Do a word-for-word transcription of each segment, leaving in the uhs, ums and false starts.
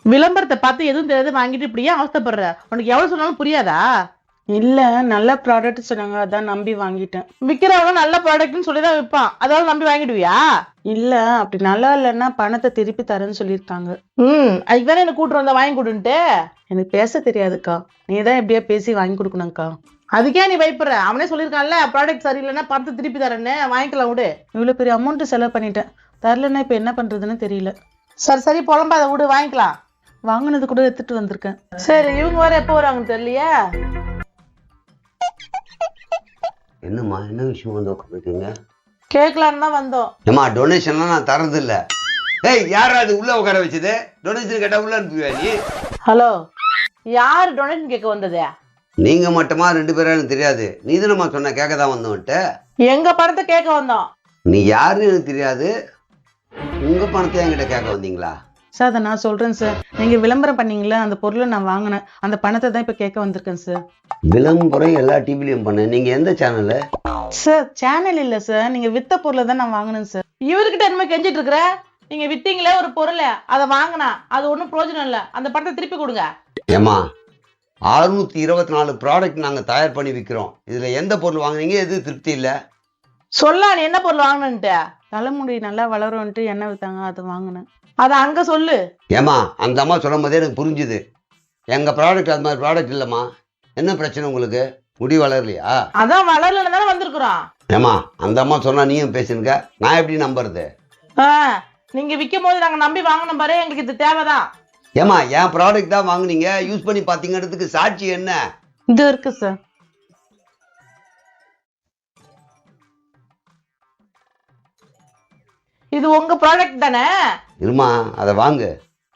விளம்பரத்தை பார்த்து எதுவும் தெரியாது வாங்கிட்டு இப்படியே அவஸ்தைப்படுற. உனக்கு எவ்வளவு சொன்னாலும் புரியாதா? இல்ல நல்ல ப்ராடக்ட் சொன்னாங்க, அதான் நம்பி வாங்கிட்டேன். விக்கிறவங்க நல்ல ப்ராடக்ட்னு சொல்லிதான் விற்பான், அதாவது நம்பி வாங்கிடுவியா? இல்ல அப்படி நல்லா இல்லைன்னா பணத்தை திருப்பி தரேன்னு சொல்லியிருக்காங்க. ம் அதுக்கு தானே என்ன கூட்டு வந்தா வாங்கி கொடுன்ட்டு. எனக்கு பேச தெரியாதுக்கா, நீ தான் எப்படியா பேசி வாங்கி கொடுக்கணும்க்கா. அதுக்கே நீ பயப்படுற? அவனே சொல்லியிருக்கான்ல ப்ராடக்ட் சரியில்லைன்னா பணத்தை திருப்பி தரேன்னு, வாங்கிக்கலாம் விடு. இவ்வளவு பெரிய அமௌண்ட் செலவு பண்ணிட்டேன், தரலன்னா இப்ப என்ன பண்றதுன்னு தெரியல. சரி சரி புலம்பாத விடு, வாங்கிக்கலாம். வாங்கினது கூட எடுத்துட்டு வந்திருக்கேன். சரி இவங்க வர எப்போ வருவாங்கன்னு தெரியலையா? என்னம்மா என்ன விஷயம் வந்து உட்காந்துருக்கீங்க? கேட்கலான்னு தான் வந்தோம். ஏம்மா டொனேஷன்லாம் நான் தரதில்ல. ஏய் யாரா அது உள்ள உட்கார வச்சது? டொனேஷன் கேட்டா உள்ள அனுப்புவியா நீ? ஹலோ, யாரு டொனேஷன் கேட்க வந்தது? நீங்க மட்டுமா ரெண்டு பேரும் எனக்கு தெரியாது. நீ தானம்மா சொன்ன கேட்க தான் வந்தோன்ட்டு. எங்க பணத்தை கேட்க வந்தோம். நீ யாருன்னு எனக்கு தெரியாது, உங்க பணத்தை என்கிட்ட கேட்க வந்தீங்களா? சார் அதை நான் சொல்றேன் சார், நீங்க விளம்பரம் பண்ணீங்களா அந்த பொருளை நான் வாங்கினேன், அந்த பணத்தை தான் இப்ப கேட்க வந்திருக்கேன் சார். விளம்பரம் எல்லா டிவிலையும் பண்ண. நீங்க எந்த சேனலு? சார் சேனல் இல்ல சார், நீங்க வித்த பொருளை தான் நான் வாங்கினேன் சார். இவர்கிட்ட என்ன கெஞ்சிட்டு இருக்கிற? நீங்க வித்தீங்களே ஒரு பொருளை, அதை வாங்கினா அது ஒன்றும் பிரயோஜனம் இல்லை, அந்த பணத்தை திருப்பி கொடுங்க. ஏமா அறுநூத்தி இருபத்தி நாலு ப்ராடக்ட் நாங்க தயார் பண்ணி விற்கிறோம். இதுல எந்த பொருள் வாங்குனீங்க? எது திருப்தி இல்ல? சொல்லா நீ என்ன பொருள் வாங்கினன்ட்டு. தலைமுடி நல்லா வளரும்ன்ட்டு எண்ணெய் வித்தாங்க, அதை வாங்கினேன். அதை அங்க சொல்லு. ஏமா அந்த அம்மா சொல்லும் போதே எனக்கு புரிஞ்சுது, எங்க ப்ராடக்ட் அது மாதிரி ப்ராடக்ட் இல்லம்மா. என்ன பிரச்சனை உங்களுக்கு? முடி வளரலையா? அதான் வளரலன்னு தானே வந்திருக்கிறோம். ஏமா அந்த அம்மா சொன்னா நீயும் பேசுனுங்க, நான் எப்படி நம்புறது? ஆஹ் நீங்க விற்கும் போது நாங்க நம்பி வாங்கணும் பாரு, எங்களுக்கு இது தேவைதான். ஏமா என் ப்ராடக்ட் தான் வாங்குனீங்க, யூஸ் பண்ணி பாத்தீங்கிறதுக்கு சாட்சி என்ன? இது இருக்கு சார். இது உங்க ப்ராடக்ட் தானே? இருமா அதை வாங்கு.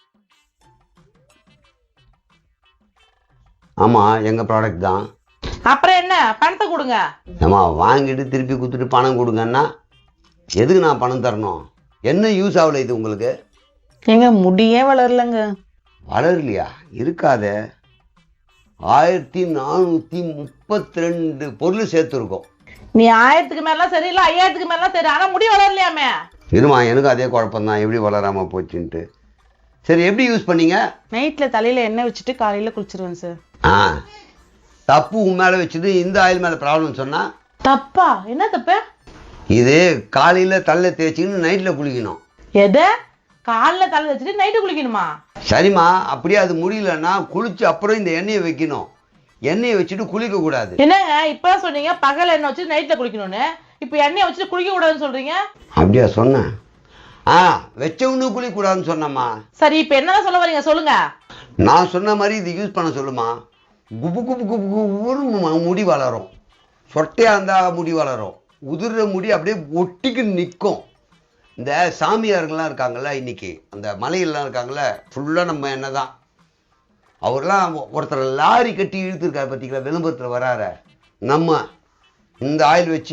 ஆமா எங்க ப்ராடக்ட் தான். அப்புறம் என்ன, பணத்தை கொடுங்க. ஏமா வாங்கிட்டு திருப்பி கொடுத்துட்டு பணம் கொடுங்கன்னா எதுக்கு நான் பணம் தரணும்? என்ன யூஸ் ஆகல இது உங்களுக்கு? எங்க முடியே வளரலங்க. வளரலையா? இருக்காதே, ஆயிரத்தி நானூத்தி முப்பத்தி ரெண்டு பொருள் சேர்த்துருக்கோம். நீ ஆயிரத்துக்கு மேலாம் சரி, இல்ல ஐயாயிரத்துக்கு மேலாம் சரி, ஆனா முடி வளரலையாமே. இருமா எனக்கு அதே குழப்பம்தான், எப்படி வளராம போச்சுன்ட்டு. சரி எப்படி யூஸ் பண்ணீங்க? நைட்ல தலையில எண்ணெய் வச்சுட்டு காலையில குளிச்சிருவேன் சார். ஆ தப்பு உன் மேலே வச்சுட்டு இந்த ஆயில் மேலே ப்ராப்ளம் சொன்னா தப்பா? என்ன தப்பு? இது காலையில் தலை தேய்ச்சிக்கின்னு நைட்டில் குளிக்கணும். எது? காலைல தலை வச்சுட்டு நைட்டு குளிக்கணுமா? சரிம்மா அப்படியே அது முடியலன்னா குளிச்சு அப்புறம் இந்த எண்ணெயை வைக்கணும். எண்ணெயை வச்சுட்டு குளிக்க கூடாது. என்னங்க இப்ப சொன்னீங்க பகல் எண்ணெய் வச்சு நைட்ல குளிக்கணும்னு, இப்ப எண்ணெயை வச்சுட்டு குளிக்க கூடாதுன்னு சொல்றீங்க? அப்படியா சொன்னேன்? ஆ வச்சவனு குளிக்க கூடாதுன்னு சொன்னம்மா. சரி இப்ப என்ன சொல்ல வரீங்க சொல்லுங்க. நான் சொன்ன மாதிரி இது யூஸ் பண்ண சொல்லுமா. குபு குபு குபு குபுன்னு முடி வளரும். சொட்டையா இருந்தா முடி வளரும், உதிர்ற முடி அப்படியே ஒட்டிக்கு நிற்கும். இந்த சாமியார்கள்லாம் இருக்காங்கல்ல, இன்னைக்கு அந்த மலையெல்லாம் இருக்காங்கல்ல, ஃபுல்லாக நம்ம என்ன தான். அவர்லாம் ஒருத்தர் லாரி கட்டி இழுத்துருக்காரு பார்த்தீங்களா, விளம்பரத்தில் வராற. நம்ம இந்த ஆயில் வச்சு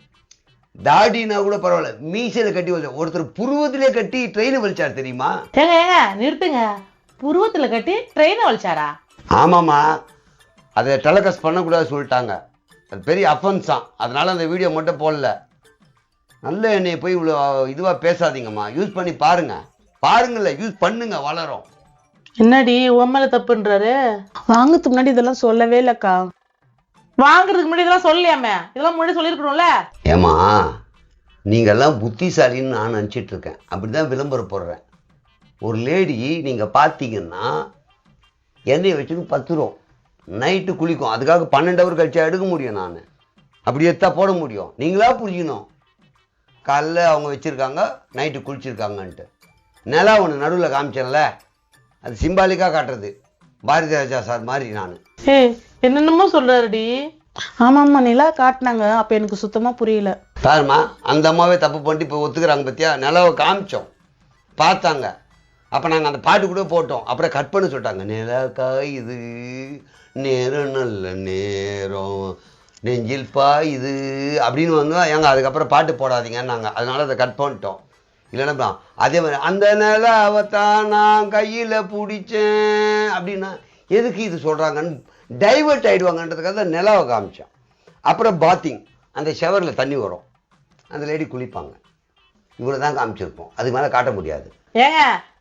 தாடினா கூட பரவாயில்ல, மீசையில் கட்டி வச்ச ஒருத்தர் புருவத்திலே கட்டி ட்ரெயினை வலிச்சார் தெரியுமா? ஏங்க ஏங்க நிறுத்துங்க, புருவத்துல கட்டி ட்ரெயினை வலிச்சாரா? ஆமாம்மா, அதை டெலகாஸ்ட் பண்ணக்கூடாது சொல்லிட்டாங்க, அது பெரிய அஃபென்ஸ் தான். அதனால அந்த வீடியோ மட்டும் போடல. நல்ல எண்ணெயை போய் இவ்வளோ இதுவாக பேசாதீங்கம்மா, யூஸ் பண்ணி பாருங்க. பாருங்கள்ல, யூஸ் பண்ணுங்க, வளரும். என்னடி உம்மல தப்புன்றாரு? வாங்கறதுக்கு முன்னாடி இதெல்லாம் சொல்லவே இல்லக்கா. வாங்குறதுக்கு முன்னாடி இதெல்லாம் சொல்லலையாமே, இதெல்லாம் முன்னாடி சொல்லியிருக்கணும்ல. ஏமா நீங்கள்லாம் புத்திசாலின்னு நான் நினச்சிட்டு இருக்கேன், அப்படிதான் விளம்பரம் போடுறேன். ஒரு லேடி நீங்கள் பார்த்தீங்கன்னா எண்ணெயை வச்சுட்டு பத்து ரூபா நைட்டு குளிக்கும், அதுக்காக பன்னெண்டு ஹவர் கழிச்சா எடுக்க முடியும். நான் அப்படி எடுத்தா போட முடியும். நீங்களா புரிஞ்சுக்கணும். காலைல அவங்க வச்சுருக்காங்க, நைட்டு குளிச்சிருக்காங்கன்ட்டு. நிலா ஒன்று நடுவில் காமிச்சேன்ல, அது சிம்பாலிக்காக காட்டுறது. பாரதி ராஜா சார் மாதிரி நான். ஏ என்னென்னமோ சொல்றாருடி. ஆமாம்மா நிலா காட்டினாங்க, அப்ப எனக்கு சுத்தமா புரியல. பாருமா அந்த அம்மாவே தப்பு பண்ணிட்டு இப்போ ஒத்துக்கிறாங்க பத்தியா. நிலாவை காமிச்சோம், பார்த்தாங்க. அப்போ நாங்கள் அந்த பாட்டு கூட போட்டோம், அப்புறம் கட் பண்ண சொல்லிட்டாங்க. நிலா இது நேரம் நல்ல நேரம் நெஞ்சில் பாயுது அப்படின்னு வந்து எங்க அதுக்கப்புறம் பாட்டு போடாதீங்கன்னு நாங்கள் அதனால அதை கட் பண்ணிட்டோம். இல்லைன்னா அதே மாதிரி அந்த நிலாவைத்தான் நான் கையில் பிடிச்சேன் அப்படின்னா எதுக்கு இது சொல்கிறாங்கன்னு டைவர்ட் ஆகிடுவாங்கன்றதுக்காக தான் நிலாவை காமிச்சோம். அப்புறம் பாத்திங், அந்த ஷவரில் தண்ணி வரும், அந்த லேடி குளிப்பாங்க. இவ்வளோ தான் காமிச்சிருப்போம், அதுக்கு மேலே காட்ட முடியாது. ஏங்க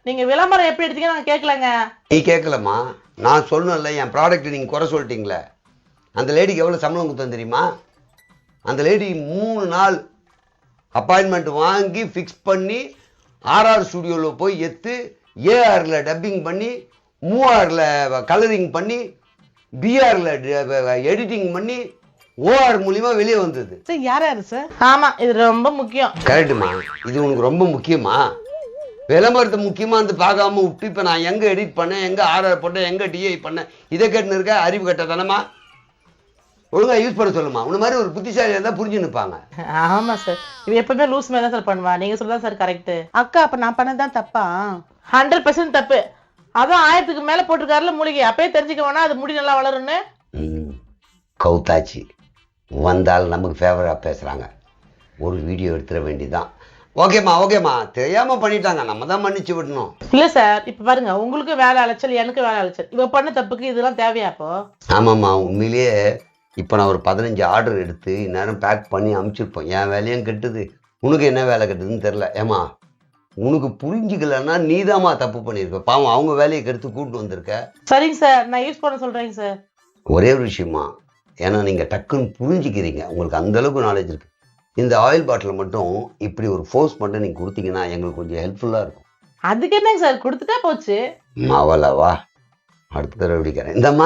நீங்க விளம்பரம் எப்படி எடுத்தீங்க நாங்க கேட்கலங்க. நீ கேட்கலம்மா, நான் சொல்லணும்ல என் ப்ராடக்ட் நீங்கள் குறை சொல்லிட்டீங்களே. அந்த லேடிக்கு எவ்வளோ சம்பளம் கொடுத்தேன் தெரியுமா? அந்த லேடி மூணு நாள் அப்பாயின்மெண்ட் வாங்கி ஃபிக்ஸ் பண்ணி ஆர்ஆர் ஸ்டுடியோவில் போய் எடுத்து ஏஆரில் டப்பிங் பண்ணி மூஆரில் கலரிங் பண்ணி பிஆரில் எடிட்டிங் பண்ணி ஓஆர் மூலியமா வெளியே வந்தது. சார் யார் யாரு சார்? ஆமா, இது ரொம்ப முக்கியம். கரெக்டுமா, இது உனக்கு ரொம்ப முக்கியமா? விளம்பரத்தை முக்கியமா வந்து பார்க்காம விட்டு இப்போ நான் எங்கே எடிட் பண்ணேன், எங்கே ஆர்ஆர் போட்டேன், எங்கே டிஐ பண்ணேன், இதை கேட்டுன்னு இருக்க அறிவு கட்ட தானமா? ஒழுங்கா யூஸ் பண்ண சொல்லுமா. உன்ன மாதிரி ஒரு புத்திசாலியாக இருந்தால் புரிஞ்சு நிற்பாங்க. ஆமா சார், இது எப்பவுமே லூஸ் மாதிரி தான் சார் பண்ணுவா. நீங்க சொல்றதா சார் கரெக்ட். அக்கா அப்ப நான் பண்ணதான் தப்பா? ஹண்ட்ரட் பர்சன்ட் தப்பு. அதான் ஆயிரத்துக்கு மேல போட்டிருக்காருல மூலிகை, அப்பயே தெரிஞ்சுக்க வேணா அது முடி நல்லா வளரும்னு. கவுத்தாச்சு வந்தால் நமக்கு ஃபேவராக பேசுகிறாங்க, ஒரு வீடியோ எடுத்துட வேண்டியதான். ஓகேம்மா ஓகேம்மா, தெரியாமல் பண்ணிட்டாங்க, நம்ம தான் மன்னிச்சு விடணும். இல்ல சார், இப்ப பாருங்க, உங்களுக்கு வேலை அலைச்சல், எனக்கு வேலை அலைச்சல். இவ பண்ண தப்புக்கு இதெல்லாம் தேவையா? அப்போ ஆமாம்மா, உண்மையிலேயே இப்போ நான் ஒரு பதினஞ்சு ஆர்டர் எடுத்து இந்நேரம் பேக் பண்ணி அமுச்சிருப்போம். என் வேலையும் கெட்டுது, உனக்கு என்ன வேலை கெட்டுதுன்னு தெரில. ஏமா உனக்கு புரிஞ்சிக்கலன்னா நீதாம்மா தப்பு பண்ணியிருக்க. பாவம் அவங்க வேலையை கெடுத்து கூப்பிட்டு வந்திருக்க. சரிங்க சார், நான் யூஸ் பண்ண சொல்றேங்க சார். ஒரே ஒரு விஷயமா, ஏன்னா நீங்கள் டக்குன்னு புரிஞ்சிக்கிறீங்க, உங்களுக்கு அந்தளவுக்கு நாலேஜ் இருக்குது. இந்த ஆயில் பாட்டில் மட்டும் இப்படி ஒரு ஃபோர்ஸ் மட்டும் நீங்கள் கொடுத்தீங்கன்னா எங்களுக்கு கொஞ்சம் ஹெல்ப்ஃபுல்லாக இருக்கும். அதுக்கு என்னங்க சார், கொடுத்துட்டா போச்சு. மாவலவா, அடுத்த தடவை பிடிக்கிறேன். இந்தம்மா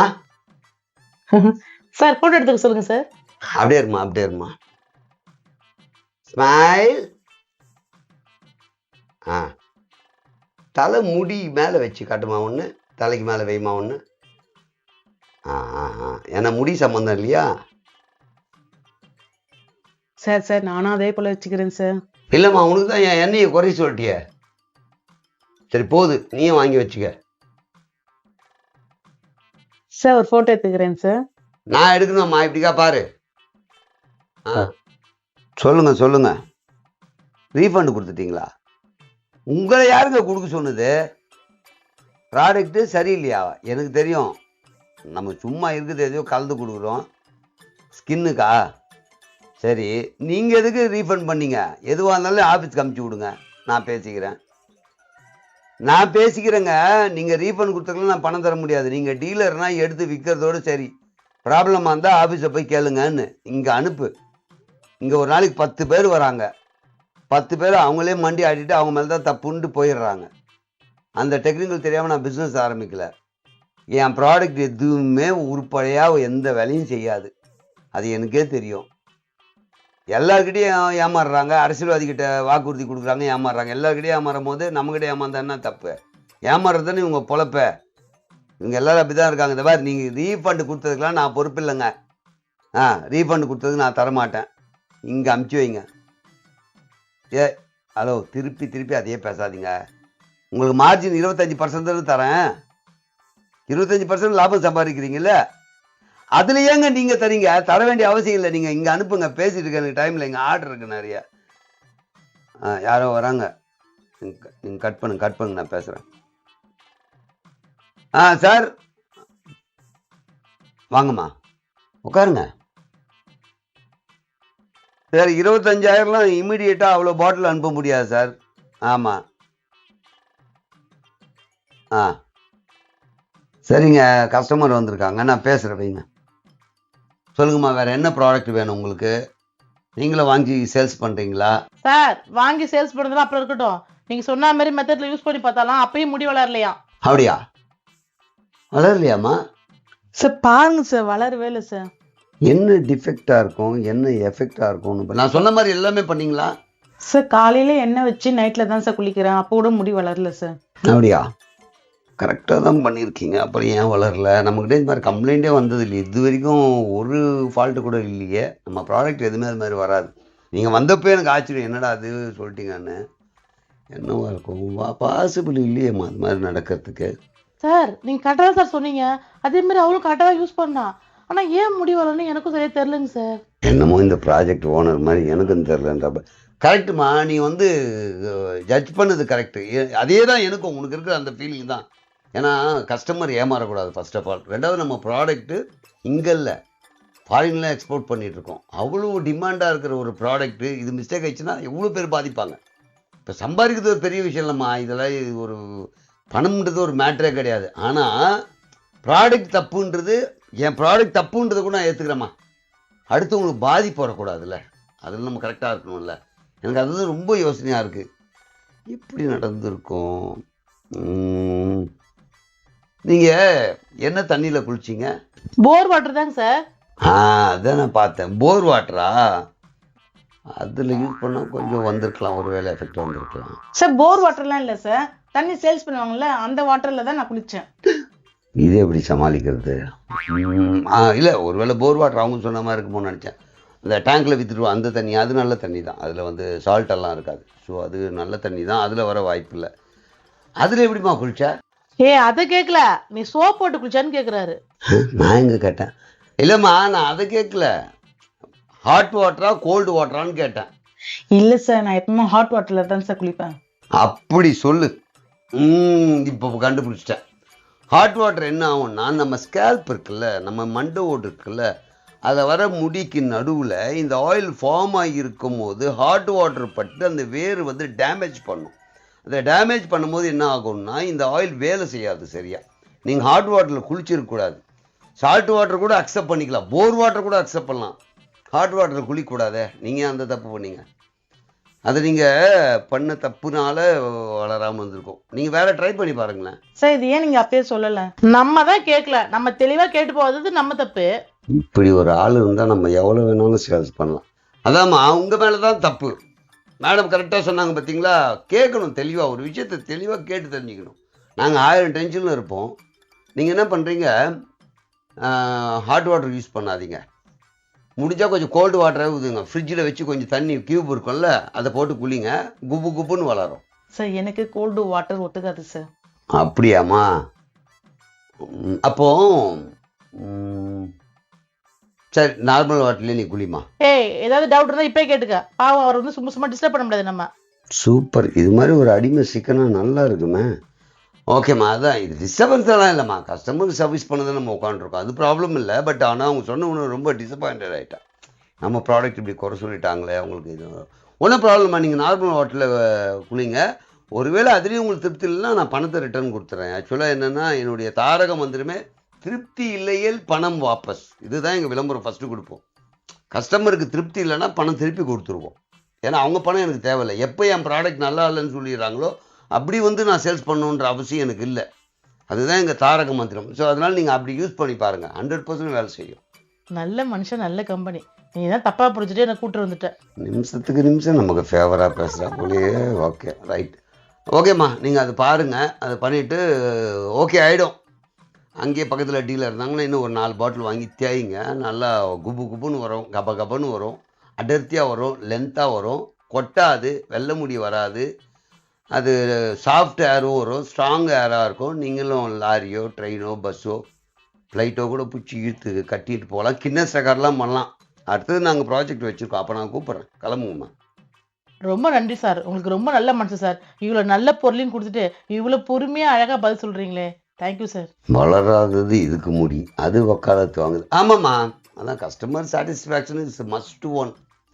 சார் போட்டோ எடுத்துக்க சொல்லுங்க சார். அப்படியே இருமா அப்படியே இருமா. ஸ்மைல். ஆ, தலை முடி மேலே வச்சு காட்டுமா ஒன்று, தலைக்கு மேலே வைமா ஒன்று. ஆ ஆ ஆ ஏன்னா முடி சம்மந்தம் இல்லையா? சார் சார் நானும் அதே போல வச்சுக்கிறேன் சார். இல்லைம்மா, உனக்கு தான் என் எண்ணெயை குறை சொல்லிட்டிய. சரி போது, நீயும் வாங்கி வச்சுக்க. சார் ஒரு போட்டோ எடுத்துக்கிறேன் சார். நான் எடுக்கணும்மா, இப்படிக்கா பாரு. ஆ சொல்லுங்க சொல்லுங்க, ரீஃபண்ட் கொடுத்துட்டீங்களா? உங்களை யாருங்க கொடுக்க சொன்னது? ப்ராடக்ட்டு சரியில்லையா? எனக்கு தெரியும், நம்ம சும்மா இருக்குது எதையோ கலந்து கொடுக்குறோம் ஸ்கின்னுக்கா. சரி, நீங்கள் எதுக்கு ரீஃபண்ட் பண்ணீங்க? எதுவாக இருந்தாலும் ஆஃபீஸ்க்கு அமுச்சு விடுங்க, நான் பேசிக்கிறேன். நான் பேசிக்கிறேங்க. நீங்கள் ரீஃபண்ட் கொடுத்ததுல நான் பணம் தர முடியாது. நீங்கள் டீலர்னால் எடுத்து விற்கிறதோடு சரி, ப்ராப்ளமாக இருந்தால் ஆஃபீஸை போய் கேளுங்கன்னு இங்கே அனுப்பு. இங்கே ஒரு நாளைக்கு பத்து பேர் வராங்க, பத்து பேர் அவங்களே மண்டி ஆடிட்டு அவங்க மேலே தான் தப்புன்ட்டு போயிடுறாங்க. அந்த டெக்னிக்கல் தெரியாமல் நான் பிஸ்னஸ் ஆரம்பிக்கல. என் ப்ராடக்ட் எதுவுமே உருப்படியாக எந்த வேலையும் செய்யாது, அது எனக்கே தெரியும். எல்லாருக்கிட்டையும் ஏமாறுறாங்க, அரசியல்வாதிக்கிட்ட வாக்குறுதி கொடுக்குறாங்க, ஏமாறுறாங்க. எல்லாருக்கிட்டையும் ஏமாறும் போது நம்மக்கிட்ட ஏமாந்தா என்ன தப்பு? ஏமாறுறதுன்னு இவங்க பொழப்ப. இவங்க எல்லோரும் அப்படி தான் இருக்காங்க. இந்த மாதிரி நீங்கள் ரீஃபண்டு கொடுத்ததுக்கெலாம் நான் பொறுப்பு இல்லைங்க. ஆ, ரீஃபண்டு கொடுத்ததுக்கு நான் தரமாட்டேன். இங்கே அமுச்சு வைங்க. ஏ ஹலோ, திருப்பி திருப்பி அதையே பேசாதீங்க. உங்களுக்கு மார்ஜின் இருபத்தஞ்சி பர்சன்ட் தரேன். இருபத்தஞ்சி பர்சன்ட் லாபம் சம்பாதிக்கிறீங்கல்ல, அதில் ஏங்க நீங்கள் தரீங்க? தர வேண்டிய அவசியம் இல்லை. நீங்கள் இங்கே அனுப்புங்க, பேசிட்டு இருக்க எனக்கு டைமில், எங்கள் ஆர்டர் இருக்குது நிறைய. ஆ, யாரோ வராங்க, நீங்கள் கட் பண்ணுங்க கட் பண்ணுங்க நான் பேசுகிறேன். ஆ சார், வாங்கம்மா உட்காருங்க. சார், இருபத்தஞ்சாயிரம்லாம் இம்மிடியேட்டாக அவ்வளோ பாட்டில் அனுப்ப முடியாது சார். ஆமாம். ஆ சரிங்க, கஸ்டமர் வந்திருக்காங்க, நான் பேசுகிறேன், வைங்க. சொல்லுங்கம்மா, வேறு என்ன ப்ராடக்ட் வேணும் உங்களுக்கு? நீங்களும் வாங்கி சேல்ஸ் பண்ணுறீங்களா? சார், வாங்கி சேல்ஸ் பண்ணுறதுலாம் அப்புறம் இருக்கட்டும். நீங்கள் சொன்ன மாதிரி மெத்தடில் யூஸ் பண்ணி பார்த்தாலாம் அப்பயும் முடி வளரலையா? அப்படியா? வளரலையாம்மா? சார் பாருங்க சார், வளரவே இல்லை சார். என்ன டிஃபெக்டாக இருக்கும், என்ன எஃபெக்டாக இருக்கும்னு நான் சொன்ன மாதிரி எல்லாமே பண்ணீங்களா? சார் காலையில எண்ணெய் வச்சு நைட்டில் தான் சார் குளிக்கிறேன், அப்போ கூட முடி வளரல சார். அப்படியா? கரெக்டாக தான் பண்ணியிருக்கீங்க. அப்புறம் ஏன் வளரல? நம்மக்கிட்ட இந்த மாதிரி கம்ப்ளைண்ட்டே வந்தது இல்லை இது வரைக்கும், ஒரு ஃபால்ட்டு கூட இல்லையே. நம்ம ப்ராடக்ட் எதுவுமே அது மாதிரி வராது. நீங்கள் வந்தப்போ எனக்கு ஆச்சரியம், என்னடா அது சொல்லிட்டீங்கன்னு. என்னவா இருக்கும்? பாசிபிள் இல்லையேம்மா அது மாதிரி நடக்கிறதுக்கு. சார், நீங்கள் கரெக்டாக தான் சார் சொன்னீங்க. அதே மாதிரி அவளும் கரெக்டாக தான் யூஸ் பண்ணா. ஆனால் ஏன் முடி வளரணும்னு எனக்கும் சரியாக தெரிலங்க சார். என்னமோ இந்த ப்ராஜெக்ட் ஓனர் மாதிரி எனக்கும் தெரிலன்றப்ப. கரெக்டுமா, நீ வந்து ஜட்ஜ் பண்ணது கரெக்டு. அதே தான் எனக்கும் உனக்கு இருக்கிற அந்த ஃபீலிங் தான். ஏன்னா கஸ்டமர் ஏமாறக்கூடாது ஃபர்ஸ்ட் ஆஃப் ஆல். ரெண்டாவது, நம்ம ப்ராடக்ட்டு இங்கே இல்லை, ஃபாரின்லாம் எக்ஸ்போர்ட் பண்ணிகிட்ருக்கோம். அவ்வளோ டிமாண்டாக இருக்கிற ஒரு ப்ராடக்ட்டு இது மிஸ்டேக் ஆயிடுச்சுன்னா எவ்வளோ பேர் பாதிப்பாங்க. இப்போ சம்பாதிக்கிறது ஒரு பெரிய விஷயம் இல்லைம்மா, இதெல்லாம் இது ஒரு பணம்ன்றது ஒரு மேட்டரே கிடையாது. ஆனால் ப்ராடக்ட் தப்புன்றது, என் ப்ராடக்ட் தப்புன்றதை கூட நான் ஏற்றுக்கிறேம்மா. அடுத்தவங்களுக்கு பாதிப்பு வரக்கூடாதுல்ல, அதில் நம்ம கரெக்டாக இருக்கணும்ல. எனக்கு அதுதான் ரொம்ப யோசனையாக இருக்குது. எப்படி நடந்திருக்கும்? நீங்கள் என்ன தண்ணியில் குளிச்சிங்க? போர் வாட்டர் தாங்க சார். ஆ, அதான் நான் பார்த்தேன். போர் வாட்டரா? அதில் யூஸ் பண்ணால் கொஞ்சம் வந்திருக்கலாம், ஒரு வேலை எஃபெக்ட் வந்திருக்கலாம். சார் போர் வாட்டர்லாம் இல்லை சார், தண்ணி சேல்ஸ் பண்ணுவாங்கல்ல அந்த வாட்டர்ல தான் நான் குளிச்சேன். இது எப்படி சமாளிக்கிறது? ம், ஆ இல்லை, ஒருவேளை போர் வாட்டர் அவங்க சொன்ன மாதிரி இருக்குமோன்னு நினச்சேன். இந்த டேங்க்கில் விற்றுருவோம் அந்த தண்ணி, அது நல்ல தண்ணி தான், அதில் வந்து சால்ட் எல்லாம் இருக்காது. ஸோ அது நல்ல தண்ணி தான், அதில் வர வாய்ப்பு இல்லை. அதில் எப்படிம்மா குளிச்சா? ஏ அதை கேட்கல, நீ சோப் போட்டு குளிச்சான்னு கேக்குறாரு. நான் எங்கே கேட்டேன்? இல்லைம்மா, நான் அதை கேட்கல. ஹாட் வாட்டரா கோல்டு வாட்டரான்னு கேட்டேன். இல்ல சார், நான் எப்பவுமே ஹாட் வாட்டர்ல தான் சார் குளிப்பேன். அப்படி சொல்லு. ம், இப்போ கண்டுபிடிச்சிட்டேன். ஹாட் வாட்டர் என்ன ஆகும்னா, நம்ம ஸ்கேல்ப் இருக்குல்ல, நம்ம மண்டை ஓடு இருக்குல்ல, அதை வர முடிக்கு நடுவில் இந்த ஆயில் ஃபார்ம் ஆகியிருக்கும் போது ஹாட் வாட்டர் பட்டு அந்த வேர் வந்து டேமேஜ் பண்ணும். அதை டேமேஜ் பண்ணும்போது என்ன ஆகும்னா, இந்த ஆயில் வேலை செய்யாது சரியா. நீங்கள் ஹாட் வாட்டரில் குளிச்சிருக்கக்கூடாது. சால்ட் வாட்டர் கூட அக்செப்ட் பண்ணிக்கலாம், போர் வாட்டர் கூட அக்செப்ட் பண்ணலாம். ஹாட் வாட்டரில் குளிக்கக்கூடாதே, நீங்கள் அந்த தப்பு பண்ணீங்க. அதை நீங்கள் பண்ண தப்புனால வளராமல் வந்திருக்கும். நீங்கள் வேற ட்ரை பண்ணி பாருங்களேன். சார் இது ஏன் நீங்க அப்பயே சொல்லல? நம்ம தான் கேட்கல, நம்ம தெளிவா கேட்டு போகிறது நம்ம தப்பு. இப்படி ஒரு ஆள் இருந்தால் நம்ம எவ்வளோ வேணாலும் சேல்ஸ் பண்ணலாம். அதாம்மா, உங்கள் மேலே தான் தப்பு. மேடம் கரெக்டாக சொன்னாங்க பார்த்தீங்களா? கேட்கணும் தெளிவாக, ஒரு விஷயத்தை தெளிவாக கேட்டு தெரிஞ்சுக்கணும். நாங்கள் ஆயிரம் டென்ஷனில் இருப்போம். நீங்கள் என்ன பண்ணுறீங்க, ஹாட் வாட்டர் யூஸ் பண்ணாதீங்க. முடிஞ்சால் கொஞ்சம் கோல்டு வாட்டரே ஊதுங்க. ஃப்ரிட்ஜில் வச்சு கொஞ்சம் தண்ணி கியூப் இருக்கும்ல, அதை போட்டு குளிங்க, குப்பு குப்புன்னு வளரும். சார் எனக்கு கோல்டு வாட்டர் ஒத்துக்காது சார். அப்படியாம்மா? ம், அப்போ ம், சரி, நார்மல் வாட்டர்லேயே நீ குளிமா. ஏய், ஏதாவது டவுட் இருந்தா இப்பயே கேட்டுக்க. பாவம், அவர் வந்து சும்மா சும்மா டிஸ்டர்ப் பண்ண முடியாது நம்ம. சூப்பர், இது மாதிரி ஒரு அடிமை சிக்கனா நல்லா இருக்குமே. ஓகேம்மா, அதான் இது டிஸ்டர்பன்ஸ் எல்லாம் இல்லைம்மா, கஸ்டமருக்கு சர்வீஸ் பண்ணதை நம்ம உட்காந்துருக்கோம், அது ப்ராப்ளம் இல்லை. பட் ஆனால் அவங்க சொன்ன ஒன்று ரொம்ப டிசப்பாயிண்டட் ஆகிட்டேன். நம்ம ப்ராடக்ட் இப்படி குறை சொல்லிட்டாங்களே அவங்களுக்கு. இது ஒன்றும் ப்ராப்ளம்மா, நீங்கள் நார்மல் வாட்டரில் குளிங்க. ஒருவேளை அதுலேயும் உங்களுக்கு திருப்தி இல்லைன்னா நான் பணத்தை ரிட்டர்ன் கொடுத்துறேன். ஆக்சுவலாக என்னென்னா, என்னுடைய தாரக மந்திரமே திருப்தி இல்லையேல் பணம் வாபஸ். இதுதான் எங்கள் விளம்பரம் ஃபஸ்ட்டு கொடுப்போம். கஸ்டமருக்கு திருப்தி இல்லைன்னா பணம் திருப்பி கொடுத்துருவோம். ஏன்னா அவங்க பணம் எனக்கு தேவையில்லை. எப்போ என் ப்ராடக்ட் நல்லா இல்லைன்னு சொல்லிடுறாங்களோ அப்படி வந்து நான் சேல்ஸ் பண்ணணுன்ற அவசியம் எனக்கு இல்லை. அதுதான் எங்கள் தாரக மந்திரம். ஸோ அதனால் நீங்கள் அப்படி யூஸ் பண்ணி பாருங்கள், ஹண்ட்ரட் பர்சன்ட் வேலை செய்யும். நல்ல மனுஷன், நல்ல கம்பெனி. நீ தான் தப்பா புரிஞ்சுட்டு என்ன கூட்டு வந்துட்ட. நிமிஷத்துக்கு நிமிஷம் நமக்கு ஃபேவராக பேசுகிறா போலயே. Okay, right. ஓகேம்மா, நீங்கள் அது பாருங்கள், அதை பண்ணிவிட்டு ஓகே ஆகிடும். அங்கேயே பக்கத்தில் டீலர் இருந்தாங்கன்னா இன்னும் ஒரு நாலு பாட்டில் வாங்கி தேய்ங்க. நல்லா குப்பு குப்புன்னு வரும், கப கபன்னு வரும், அடர்த்தியாக வரும், லென்த்தாக வரும், கொட்டாது, வெள்ளை முடி வராது. அது சாஃப்ட் ஏரும் வரும், ஸ்ட்ராங் ஏராக இருக்கும். நீங்களும் லாரியோ ட்ரெயினோ பஸ்ஸோ ஃப்ளைட்டோ கூட பிடிச்சி இழுத்து கட்டிட்டு போகலாம், கின்னஸ் ரெக்கார்ட்லாம் பண்ணலாம். அடுத்தது நாங்கள் ப்ராஜெக்ட் வச்சுருக்கோம், அப்போ நான் கூப்பிட்றேன், கிளம்புங்கம்மா. ரொம்ப நன்றி சார், உங்களுக்கு ரொம்ப நல்ல மனுஷன் சார். இவ்வளோ நல்ல பொருளையும் கொடுத்துட்டு இவ்வளோ பொறுமையாக அழகாக பதில் சொல்கிறீங்களே, தேங்க்யூ சார். வளராதது இதுக்கு முடி, அது வக்காலத்து வாங்குது. ஆமாம்மா, அதான் customer satisfaction is must one.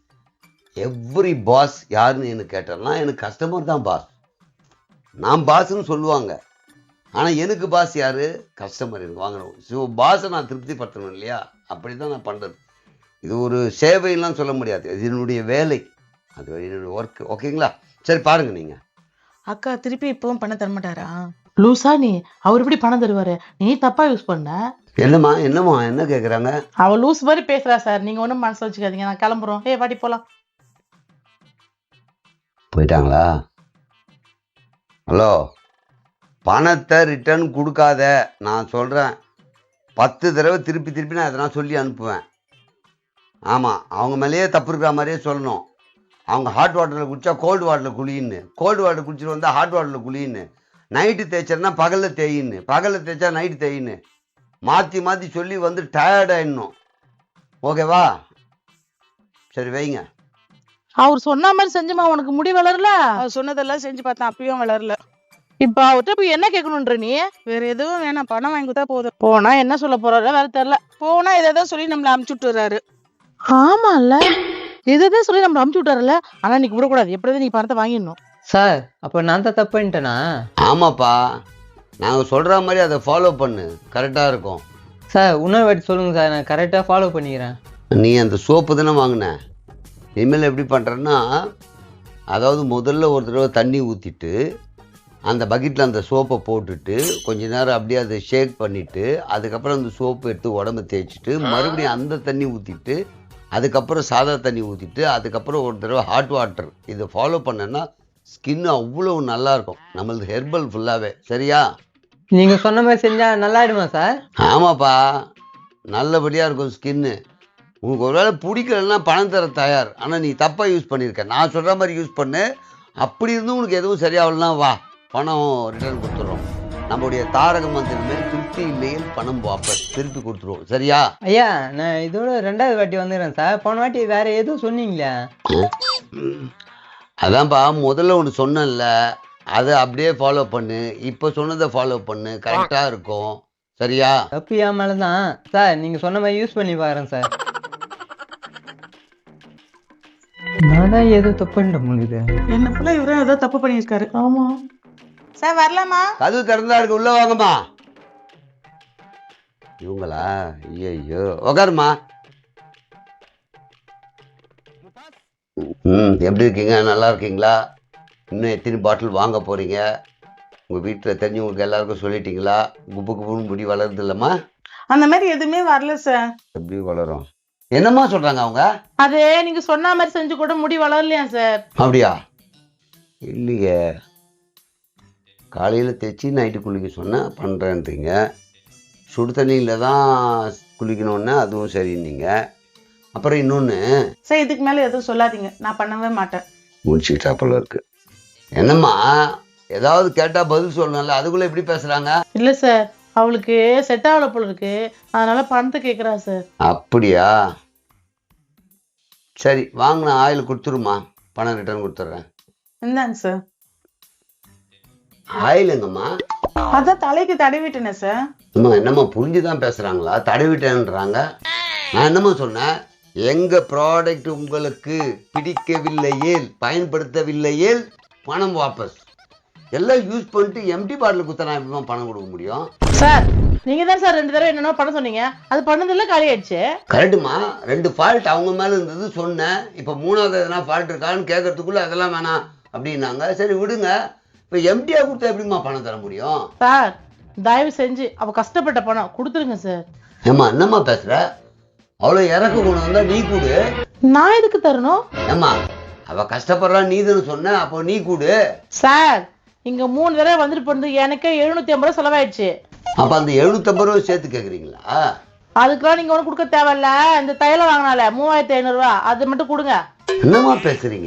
Every boss யாருன்னு எனக்கு கேட்டேன்னா எனக்கு கஸ்டமர் தான் பாஸ். நான் பாஸ்ன்னு சொல்லுவாங்க, ஆனால் எனக்கு பாஸ் யார்? கஸ்டமர் எனக்கு வாங்கணும். ஸோ பாஸை நான் திருப்திப்படுத்தணும் இல்லையா? அப்படி தான் நான் பண்ணுறது. இது ஒரு சேவைலாம் சொல்ல முடியாது, இது என்னுடைய வேலை, அது என்னுடைய ஒர்க். ஓகேங்களா? சரி பாருங்கள் நீங்கள். அக்கா திருப்பி இப்பவும் பண்ண தரமாட்டாரா? லூசா நீ, அவர் எப்படி பணம் தருவாரு? நீ தப்பா யூஸ் பண்ண. என்னம்மா என்னம்மா என்ன கேட்குறாங்க? அவ லூஸ் மாதிரி பேசுறா சார், நீங்க ஒன்றும் மனசு வச்சுக்காதீங்க, நான் கிளம்புறோம். ஏ வாடி போலாம். போயிட்டாங்களா? ஹலோ, பணத்தை ரிட்டர்ன் கொடுக்காத, நான் சொல்கிறேன். பத்து தடவை திருப்பி திருப்பி நான் எதனா சொல்லி அனுப்புவேன். ஆமாம், அவங்க மேலேயே தப்பு இருக்கிற மாதிரியே சொல்லணும். அவங்க ஹாட் வாட்டரில் குடித்தா கோல்டு வாட்டரில் குளின்னு, கோல்டு வாட்டர் குடிச்சிட்டு வந்தால் ஹாட் வாட்டரில் குளின்னு, நைட்டு தேய்ச்சா பகலில் தேயின்னு, பகலில் தேய்ச்சா நைட்டு தேயின்னு மாற்றி மாற்றி சொல்லி வந்து டயர்ட் ஆயிடணும். ஓகேவா? சரி வைங்க. அவர் சொன்ன மாதிரி செஞ்சுமா, உனக்கு முடி வளரல? அவர் சொன்னதெல்லாம் செஞ்சு பார்த்தேன், அப்பயும் வளரல. இப்ப அவர்கிட்ட போய் என்ன கேட்கணுன்ற நீ? வேற எதுவும் வேணாம், பணம் வாங்கி கொடுத்தா போதும். போனா என்ன சொல்ல போறாரு வேற தெரியல. போனா எதாவது சொல்லி நம்மள அமுச்சு விட்டுறாரு. ஆமால, இதுதான் சொல்லி நம்ம அமுச்சு விட்டாருல. ஆனா நீ விடக்கூடாது, எப்படியாவது நீ பணத்தை வாங்கிடணும். சார் அப்போ நான் தான் தப்பு பண்ணிட்டேனா? ஆமாப்பா, நாங்கள் சொல்கிற மாதிரி அதை ஃபாலோ பண்ணு, கரெக்டாக இருக்கும். சார் இன்னொரு வாட்டி சொல்லுங்கள் சார், நான் கரெக்டாக ஃபாலோ பண்ணிக்கிறேன். நீ அந்த சோப்பு தானே வாங்கின, இனிமேல் எப்படி பண்ணுறேன்னா, அதாவது முதல்ல ஒரு தடவை தண்ணி ஊற்றிட்டு அந்த பக்கெட்டில் அந்த சோப்பை போட்டுட்டு கொஞ்ச நேரம் அப்படியே அதை ஷேக் பண்ணிவிட்டு அதுக்கப்புறம் அந்த சோப்பு எடுத்து உடம்பு தேய்ச்சிட்டு மறுபடியும் அந்த தண்ணி ஊற்றிட்டு அதுக்கப்புறம் சாதா தண்ணி ஊற்றிட்டு அதுக்கப்புறம் ஒரு தடவை ஹாட் வாட்டர், இதை ஃபாலோ பண்ணேன்னா ஸ்கின் அவ்வளோ நல்லாயிருக்கும், நம்மளது ஹெர்பல் ஃபுல்லாகவே. சரியா? நீங்கள் சொன்ன மாதிரி செஞ்சால் நல்லா ஆயிடுமா சார்? ஆமாப்பா, நல்லபடியாக இருக்கும் ஸ்கின்னு. உனக்கு ஒரு வேளை பிடிக்கலன்னா பணம் தர தயார், ஆனால் நீ தப்பாக யூஸ் பண்ணியிருக்க. நான் சொல்கிற மாதிரி யூஸ் பண்ணு, அப்படி இருந்தும் உனக்கு எதுவும் சரியாகலன்னா வா, பணம் ரிட்டர்ன் கொடுத்துட்றோம். நம்முடைய தாரக மந்திரமே திருப்தி இல்லையில் பணம் வாபஸ், திருப்பி கொடுத்துருவோம். சரியா? ஐயா நான் இதோட ரெண்டாவது வாட்டி வந்துடுறேன் சார். போன வாட்டி வேற எதுவும் சொன்னீங்களே? அதான்ப்பா, முதல்ல ஒன்று சொன்னேன்ல, அதை அப்படியே ஃபாலோ பண்ணு, இப்போ சொன்னதை ஃபாலோ பண்ணு, கரெக்டாக இருக்கும். சரியா? தப்பு என் மேலே தான் சார், நீங்கள் சொன்ன மாதிரி யூஸ் பண்ணி பாக்குறேன் சார். நான் தான் ஏதோ தப்பு பண்ணிட முடியுது. என்ன போல இவரும் ஏதோ தப்பு பண்ணியிருக்காரு. ஆமா சார் வரலாமா? கதவு திறந்தா இருக்கு, உள்ள வாங்கம்மா. இவங்களா? ஐயோ, உக்காருமா. ம் எப்படி இருக்கீங்க? நல்லா இருக்கீங்களா? இன்னும் எத்தனை பாட்டில் வாங்க போறீங்க? உங்கள் வீட்டில் தெரிஞ்சவங்களுக்கு எல்லாருக்கும் சொல்லிட்டீங்களா? குப்பு குப்புன்னு முடி வளருது இல்லைம்மா? அந்த மாதிரி எதுவுமே வரல சார். எப்படி வளரும்? என்னம்மா சொல்கிறாங்க அவங்க? அது நீங்க சொன்ன மாதிரி செஞ்சு கூட முடி வளரலையா சார்? அப்படியா? இல்லையே, காலையில் தைச்சி நைட்டு குளிக்க சொன்னேன் பண்ணுறேன்றீங்க, சுடு தண்ணியில் தான் குளிக்கணுன்னா அதுவும் சரின்னீங்க. அப்புறம் இன்னொன்று சார் இதுக்கு மேலே எதுவும் சொல்லாதீங்க, நான் பண்ணவே மாட்டேன். முடிச்சுக்கிட்டா போல இருக்கு. என்னம்மா, ஏதாவது கேட்டால் பதில் சொல்லணும்ல, அதுக்குள்ளே எப்படி பேசுகிறாங்க? இல்ல சார், அவளுக்கு செட் ஆகல போல இருக்கு, அதனால பணத்தை கேக்குறா சார். அப்படியா? சரி, வாங்கின ஆயில் கொடுத்துருமா, பணம் ரிட்டர்ன் கொடுத்துட்றேன். இந்தாங்க சார். ஆயில் எங்கம்மா? அதான் தலைக்கு தடவிட்டேனே சார். அம்மா என்னம்மா புரிஞ்சுதான் பேசுகிறாங்களா? தடவிட்டேன்றாங்க. நான் என்னம்மா சொன்னேன், எங்கள் ப்ராடக்ட் உங்களுக்கு பிடிக்கவில்லையேல் பயன்படுத்தவில்லையேல் பணம் வாபஸ். எல்லாம் யூஸ் பண்ணிட்டு எம்டி பாட்டில் குத்தனா எப்படிமா பணம் கொடுக்க முடியும்? சார் நீங்க தான் சார் ரெண்டு தடவை என்னென்ன பண்ண சொன்னீங்க, அது பண்ணதில்ல, காலி ஆயிடுச்சு. கரெக்டுமா, ரெண்டு ஃபால்ட் அவங்க மேலே இருந்தது சொன்னேன். இப்போ மூணாவது எதனா ஃபால்ட் இருக்கான்னு கேட்கறதுக்குள்ள அதெல்லாம் வேணாம் அப்படின்னாங்க. சரி விடுங்க, இப்போ எம்டியா கொடுத்தா எப்படிமா பணம் தர முடியும்? சார் தயவு செஞ்சு அவ கஷ்டப்பட்ட பணம் கொடுத்துருங்க சார். ஏம்மா என்னம்மா பேசுற? அவ்வளோ இறக்க கொண்டு வந்தா நீ கூடு. நான் எதுக்கு தரணும்? ஏம்மா அவ கஷ்டப்படுறா நீதுன்னு சொன்ன, அப்போ நீ கூடு. சார் இங்க மூணு தடவை வந்துட்டு போனது எனக்கே எழுநூத்தி ஐம்பது ரூபா செலவாயிடுச்சு. அப்ப அந்த எழுநூத்தி ஐம்பது ரூபாய் சேர்த்து கேக்குறீங்களா? அதுக்கெல்லாம் நீங்க ஒண்ணு கொடுக்க தேவையில்ல, இந்த தைலம் வாங்கினால மூவாயிரத்தி ஐநூறு ரூபா அது மட்டும் கொடுங்க. என்னம்மா பேசுறீங்க?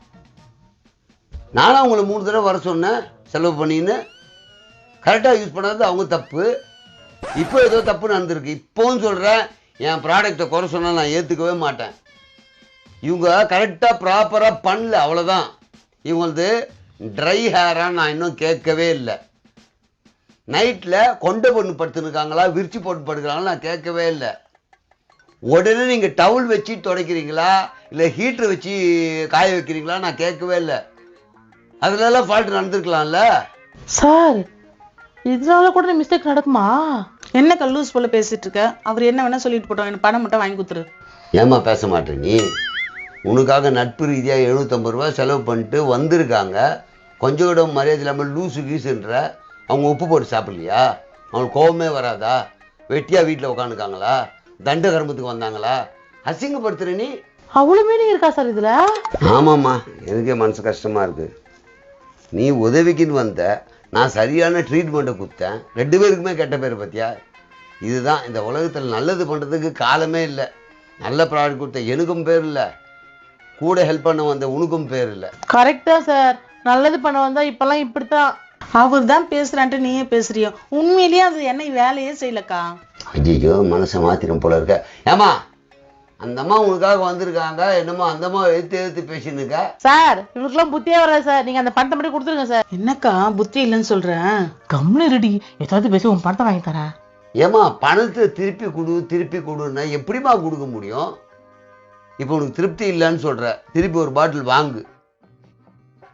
நானும் உங்களை மூணு தடவை வர சொன்னேன் செலவு பண்ணின்னு, கரெக்டா யூஸ் பண்ணாது அவங்க தப்பு. இப்போ ஏதோ தப்பு நடந்திருக்கு. இப்போவும் சொல்றேன், என் ப்ராடக்டை குறை சொன்னா நான் ஏத்துக்கவே மாட்டேன். இவங்க கரெக்டா ப்ராப்பரா பண்ணல, அவ்வளவுதான். இவங்களது ட்ரை ஹேரா நான் இன்னும் கேட்கவே இல்லை. நைட்ல கொண்டை பொண்ணு படுத்துருக்காங்களா, விரிச்சு போட்டு படுக்கிறாங்களா நான் கேட்கவே இல்லை. உடனே நீங்க டவுல் வச்சு துடைக்கிறீங்களா இல்லை ஹீட்டர் வச்சு காய வைக்கிறீங்களா நான் கேட்கவே இல்லை. அதுல எல்லாம் ஃபால்ட் நடந்திருக்கலாம்ல. சார் இதனால கூட மிஸ்டேக் நடக்குமா? என்ன கல்லூஸ் போல பேசிட்டு இருக்க? அவர் என்ன வேணா சொல்லிட்டு போட்டோம், எனக்கு பணம் மட்டும் வாங்கி கொடுத்துரு. ஏமா பேச மாட்டேன் நீ? உனக்காக நட்பு ரீதியாக எழுநூத்தம்பது ரூபா செலவு பண்ணிட்டு வந்திருக்காங்க, கொஞ்சம் கூட மரியாதை இல்லாமல் லூசு கீசுன்ற. அவங்க உப்பு போட்டு சாப்பிடலையா? அவங்களுக்கு கோபமே வராதா? வெட்டியா வீட்டில் உட்காந்துருக்காங்களா? தண்ட கரும்பத்துக்கு வந்தாங்களா? அசிங்கப்படுத்துற நீ. அவ்வளவு மீனிங் இருக்கா சார் இதுல? ஆமாம்மா, எனக்கே மனசு கஷ்டமா இருக்கு. நீ உதவிக்குன்னு வந்த, நான் சரியான ட்ரீட்மெண்ட்டை கொடுத்தேன், ரெண்டு பேருக்குமே கெட்ட பேர் பத்தியா? இதுதான் இந்த உலகத்தில் நல்லது பண்ணுறதுக்கு காலமே இல்லை. நல்ல ப்ராடக்ட் கொடுத்த எனக்கும் பேர் இல்லை, கூட ஹெல்ப் பண்ண வந்த உனக்கும் பேர் இல்லை. கரெக்டா சார், நல்லது பண்ண வந்தா இப்பெல்லாம் இப்படித்தான். அவர் தான் பேசுறான்ட்டு நீயே பேசுறியோ? உண்மையிலேயே அது என்ன வேலையே செய்யலக்கா. ஐயோ மனசை மாத்திரம் போல இருக்க. ஏமா அந்த அம்மா உனக்காக வந்திருக்காங்க, என்னமோ அந்த அம்மா எடுத்து எடுத்து பேசின்னு இருக்க. சார் இவருக்குலாம் புத்தியே வராது சார், நீங்க அந்த பணத்தை மட்டும் கொடுத்துருங்க சார். என்னக்கா புத்தி இல்லைன்னு சொல்றேன்? கம்முனு ரெடி, ஏதாவது பேசி உன் பணத்தை வாங்கி தரேன். ஏமா பணத்தை திருப்பி கொடு திருப்பி கொடுன்னா எப்படிமா கொடுக்க முடியும்? இப்போ உனக்கு திருப்தி இல்லைன்னு சொல்ற, திருப்பி ஒரு பாட்டில் வாங்கு.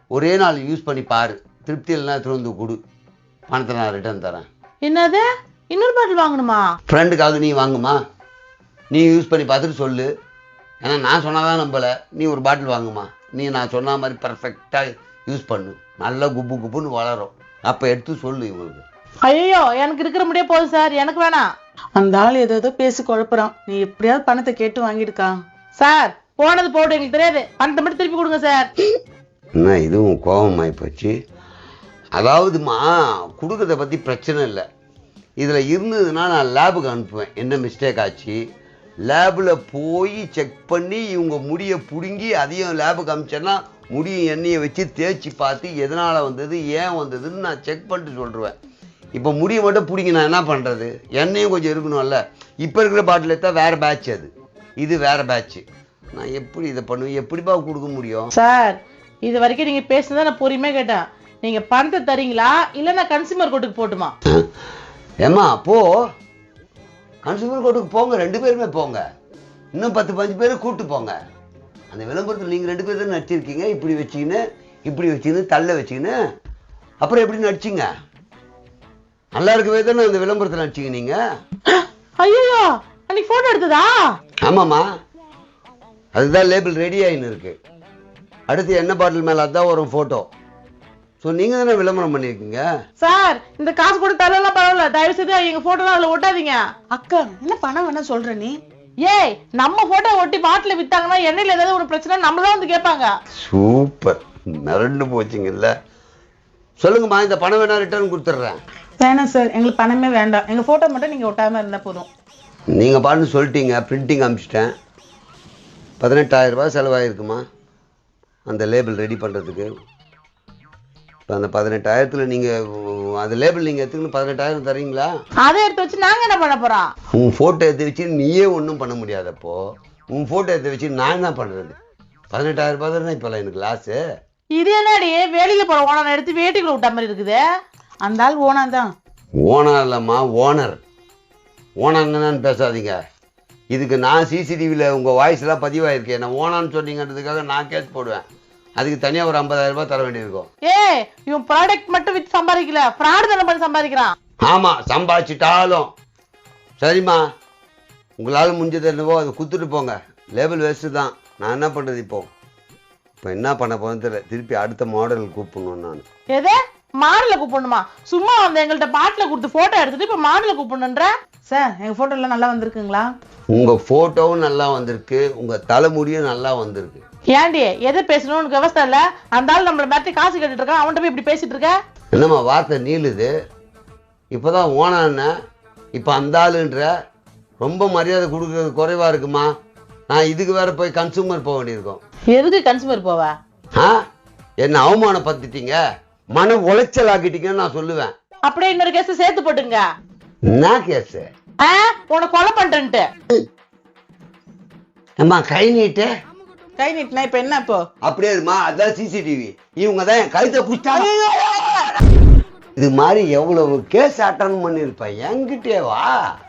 ஒரே நாள் யூஸ் பண்ணி பாரு, திருப்தி இல்லைன்னா திறந்து கொடு, பணத்தை நான் ரிட்டர்ன் தரேன். என்னது, இன்னொரு பாட்டில் வாங்கணுமா? ஃப்ரெண்டுக்காக நீ வாங்குமா, நீ யூஸ் பண்ணி பார்த்துட்டு சொல்லு. ஏன்னா நான் சொன்னாதான் நம்பலை, நீ ஒரு பாட்டில் வாங்குமா, நீ நான் சொன்ன மாதிரி பர்ஃபெக்டாக யூஸ் பண்ணு, நல்லா குப்பு குப்புன்னு வளரும், அப்போ எடுத்து சொல்லு இவங்களுக்கு. ஐயோ, எனக்கு இருக்கிற முடியே போதும் சார், எனக்கு வேணாம். அந்த ஆள் ஏதோ ஏதோ பேசி குழப்புறான், நீ எப்படியாவது பணத்தை கேட்டு வாங்கிடுக்கா. சார் போனது போட்டு எங்களுக்கு தெரியாது, பணத்தை மட்டும் திருப்பி கொடுங்க சார். என்ன இதுவும் கோபமாகி போச்சு. அதாவதுமா கொடுக்கறத பற்றி பிரச்சனை இல்லை, இதில் இருந்ததுன்னா நான் லேபுக்கு அனுப்புவேன், என்ன மிஸ்டேக் ஆச்சு லேபில் போய் செக் பண்ணி இவங்க முடியை பிடுங்கி அதையும் லேபுக்கு அனுப்பிச்சேன்னா முடியை எண்ணெயை வச்சு தேய்ச்சி பார்த்து எதனால் வந்தது ஏன் வந்ததுன்னு நான் செக் பண்ணிட்டு சொல்லிடுவேன். இப்போ முடியை மட்டும் பிடிங்க, நான் என்ன பண்ணுறது, எண்ணெயும் கொஞ்சம் இருக்கணும்ல. இப்போ இருக்கிற பாட்டில் எடுத்தா வேறு பேட்ச், அது இது வேறு பேட்ச்சு, நான் எப்படி இதை பண்ணுவேன், எப்படிப்பா கொடுக்க முடியும்? சார் இது வரைக்கும் நீங்க பேசுனதை நான் பொறுமையாக கேட்டேன், நீங்க பணத்தை தரீங்களா இல்லை நான் கன்சியூமர் கோர்ட்டுக்கு போட்டுமா? ஏம்மா போ, கன்சூமர் கோர்ட்டுக்கு போங்க, ரெண்டு பேருமே போங்க, இன்னும் பத்து பஞ்சு பேர் கூப்பிட்டு போங்க. அந்த விளம்பரத்தில் நீங்கள் ரெண்டு பேர் தான் நடிச்சிருக்கீங்க, இப்படி வச்சுக்கின்னு இப்படி வச்சுக்கின்னு தள்ள வச்சுக்கின்னு, அப்புறம் எப்படி நடிச்சிங்க? நல்லா இருக்கவே தானே அந்த விளம்பரத்தில் நடிச்சிங்க நீங்கள். ஐயோ, அன்னைக்கு போட்டோ எடுத்ததா? ஆமாம்மா, அதுதான் லேபிள் ரெடி ஆகின்னு இருக்கு, அடுத்து எண்ணெய் பாட்டில் மேலே அதுதான் வரும் ஃபோட்டோ. ஸோ நீங்கள் தானே விளம்பரம் பண்ணியிருக்கீங்க. சார் இந்த காசு கூட தரலாம் பரவாயில்ல, தயவு செய்து எங்க போட்டோ அதில் ஒட்டாதீங்க. அக்கா என்ன பணம் வேணா சொல்ற நீ? ஏய், நம்ம போட்டோ ஒட்டி பாட்டில் வித்தாங்கன்னா எண்ணெயில் ஏதாவது ஒரு பிரச்சனை நம்மளதான் வந்து கேட்பாங்க. சூப்பர், மிரண்டு போச்சுங்கல்ல. சொல்லுங்கம்மா, இந்த பணம் வேணா ரிட்டர்ன் கொடுத்துட்றேன். வேணாம் சார், எங்களுக்கு பணமே வேண்டாம், எங்க போட்டோ மட்டும் நீங்க ஒட்டாம இருந்தா போதும். நீங்கள் பாட்டு சொல்லிட்டீங்க, பிரிண்டிங் அனுப்பிச்சிட்டேன், பதினெட்டாயிரம் ரூபாய் செலவாயிருக்குமா அந்த லேபிள் ரெடி பண்ணுறதுக்கு. இப்போ அந்த பதினெட்டாயிரத்தில் நீங்கள் அந்த லேபிள் நீங்கள் எடுத்துக்கணும், பதினெட்டாயிரம் தரீங்களா? அதை எடுத்து வச்சு நாங்க என்ன பண்ண போறோம்? உன் ஃபோட்டோ எடுத்து வச்சு நீயே ஒன்றும் பண்ண முடியாதப்போ உன் ஃபோட்டோ எடுத்து வச்சு நான் என்ன பண்ணுறது? பதினெட்டாயிரம் ரூபாய் தானே இப்போல்லாம் எனக்கு லாஸு. இது என்னடி வேலைக்கு போற ஓனர் எடுத்து வேட்டிக்குள்ள விட்ட மாதிரி இருக்குது? அந்த ஆள் ஓனா தான். ஓனர் இல்லைம்மா, ஓனர். ஓனர் என்னன்னு பேசாதீங்க, இதுக்கு நான் சிசிடிவியில் உங்கள் வாய்ஸ்லாம் பதிவாயிருக்கேன், நான் ஓனான்னு சொன்னீங்கன்றதுக்காக நான் கேஸ் போடுவேன், அதுக்கு தனியாக ஒரு ஐம்பதாயிரம் ரூபாய் தர வேண்டியிருக்கும். ஏ, இவன் ப்ராடக்ட் மட்டும் வித்து சம்பாதிக்கல, ஃப்ராட் தானே பண்ணி சம்பாதிக்கிறான். ஆமாம், சம்பாதிச்சிட்டாலும் சரிம்மா, உங்களால் முடிஞ்சது என்னவோ அதை குத்துட்டு போங்க, லேபிள் வேஸ்ட்டு தான். நான் என்ன பண்ணுறது இப்போ இப்போ என்ன பண்ண போகிறேன்னு தெரியல, திருப்பி அடுத்த மாடல் கூப்பிடணும் நான். எது மாடலை கூப்பிடணுமா? சும்மா வந்து எங்கள்கிட்ட பாட்டில் கொடுத்து ஃபோட்டோ எடுத்துட்டு இப்போ மாடலை கூப்பிடணுன்ற? சார் எங்க போட்டோ எல்லாம் நல்லா வந்திருக்குங்களா? உங்கள் ஃபோட்டோவும் நல்லா வந்திருக்கு, உங்கள் தலைமுடியும் நல்லா வந்திருக்கு. ஏண்டி எதை பேசணும்னு உனக்கு விவசாய இல்லை? அந்த ஆள் நம்மளை மிரட்டி காசு கேட்டுட்டு இருக்கான், அவன்கிட்ட போய் இப்படி பேசிட்டு இருக்க? என்னம்மா வார்த்தை நீளுது, இப்போ தான் ஓனான்னு இப்போ அந்த ஆளுன்ற, ரொம்ப மரியாதை கொடுக்குறது குறைவாக இருக்குமா? நான் இதுக்கு வேற போய் கன்சூமர் போக வேண்டியிருக்கோம். எதுக்கு கன்சூமர் போவா? ஆ, என்ன அவமானப்படுத்திட்டீங்க, மன உளைச்சல் ஆக்கிட்டீங்கன்னு நான் சொல்லுவேன். அப்படியே இன்னொரு கேஸ் சேர்த்து போட்டுங்க. என்ன கேஸு? ஆ, உனக்கு கொலை பண்றேன்ட்டு. அம்மா கை நீட்டு. கை நீட்டினா இப்ப என்ன? இப்போ அப்படியே இருமா, அதான் சிசிடிவி, இவங்க தான் என் கழுத்தை புடிச்சாங்க. இது மாதிரி எவ்வளவு கேஸ் அட்டன் பண்ணிருப்பேன், என்கிட்டே வா.